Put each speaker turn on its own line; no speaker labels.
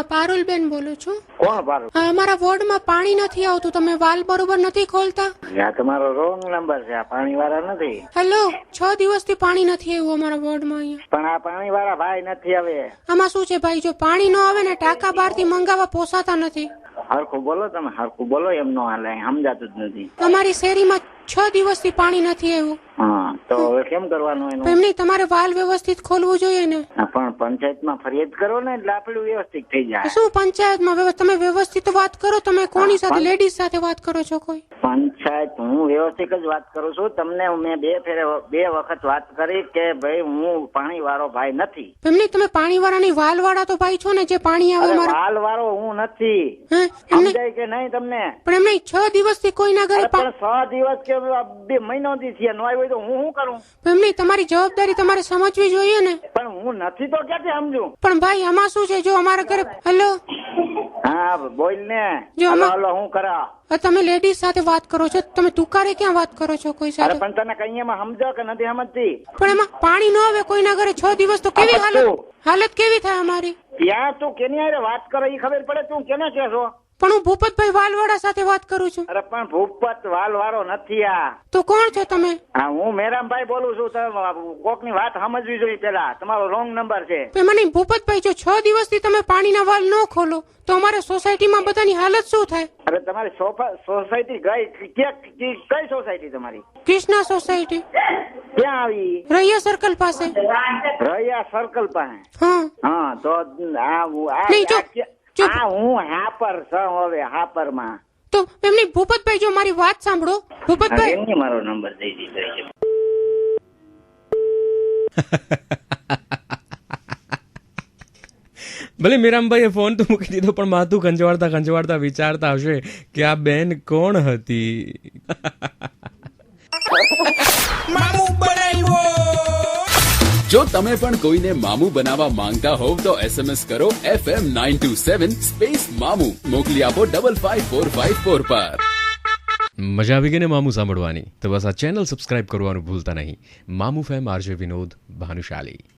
હા પારુલબેન બોલું છું.
કોણ પારું?
અમારા વોર્ડમાં પાણી નથી આવતું, તમે વાલ બરોબર નથી ખોલતા.
આ તમારો રોંગ નંબર છે. આ પાણી વાળા નથી.
હેલો, 6 દિવસથી પાણી નથી આવ્યું અમારા વોર્ડમાં અહીંયા.
પણ આ પાણી વાળા ભાઈ નથી હવે.
આમાં શું છે ભાઈ, જો પાણી ન આવે ને ટાંકા બહારથી મંગાવવા પોસાતા નથી.
હરખું બોલો, તમે હરખું બોલો, એમ નો હાલે, સમજાતું જ નથી.
અમારી શેરીમાં 6 દિવસથી પાણી નથી આવ્યું.
હા, તો હવે કેમ કરવાનું એનું?
એમ નહીં, તમારે વાલ વ્યવસ્થિત ખોલવું જોઈએ ને.
હા, પણ પંચાયતમાં ફરિયાદ કરો ને એટલે આપણું વ્યવસ્થિત થઈ જાય.
શું પંચાયતમાં તમે વ્યવસ્થિત વાત કરો? તમે કોની સાથે, લેડીઝ સાથે વાત કરો છો? કોઈ
પંચાયત, હું વ્યવસ્થિત જ વાત કરું છું. તમને મેં બે વખત વાત કરી કે ભાઈ હું પાણી વાળો ભાઈ નથી.
એમની તમે પાણી વાળાની વાલ વાળા તો ભાઈ છો ને, જે પાણી આવે અમારા.
વાલ વાળો હું નથી, સમજાય કે નહીં તમને?
પણ એમને 6 દિવસથી કોઈના ઘરે
પણ 6 દિવસ કે 2 મહિનો થી થયા નો આવ્યો તો હું શું કરું?
એમની તમારી જવાબદારી તમારે સમજવી જોઈએ ને.
પણ હું નથી તો ક્યાંથી સમજુ?
પણ ભાઈ આમાં શું છે, જો અમારા ઘરે હેલો
હા બોલ ને.
જો
હાલો હું કરા?
તમે લેડીઝ સાથે વાત કરો છો, તમે તુકારે ક્યાં વાત કરો છો કોઈ સાથે?
પણ તને કઈ એમાં સમજો કે નથી સમજતી?
પણ એમાં પાણી ન આવે કોઈના ઘરે 6 દિવસ તો કેવી હાલત કેવી થાય અમારી?
ત્યાં તું કેની હારે વાત કરો એ ખબર પડે. તું કેને કે છો?
પણ હું ભૂપતભાઈ વાલવાળા સાથે વાત કરું છું.
અરે પણ ભૂપત વાલ વાળો નથી. આ
તો કોણ છો તમે?
હા, હું મેરામભાઈ બોલું છું. કોક ની વાત સમજવી જોઈએ પેલા. તમારો રોંગ નંબર છે.
મને ભૂપતભાઈ, જો 6 દિવસથી તમે પાણીના વાલ ન ખોલો તો અમારે સોસાયટીમાં બધાની હાલત શું થાય?
અરે તમારી સોસાયટી કઈ સોસાયટી તમારી?
કૃષ્ણા સોસાયટી.
ક્યાં આવી?
રૈયા સર્કલ પાસે.
રૈયા સર્કલ પાસે?
હા
તો હું હાપર છું હવે. હાપર માં
તો એમની ભૂપતભાઈ, જો મારી વાત સાંભળો ભૂપતભાઈ.
એમની મારો નંબર દઈ દીધો.
ભલે મીરામભાઈએ ફોન તો મૂકી દીધો, પણ માથું ખંજવાળતા વિચારતા હશે કે આ બેન કોણ હતી.
જો તમે પણ કોઈને મામું બનાવવા માંગતા હોવ તો SMS કરો FM 927 સ્પેસ મામું. મોકલી આપો 55454 પર.
મજા આવી ગઈ ને મામું સાંભળવાની? તો બસ આ ચેનલ સબસ્ક્રાઇબ કરવાનું ભૂલતા નહીં. Mamu fame, RJ Vinod Bhanushali.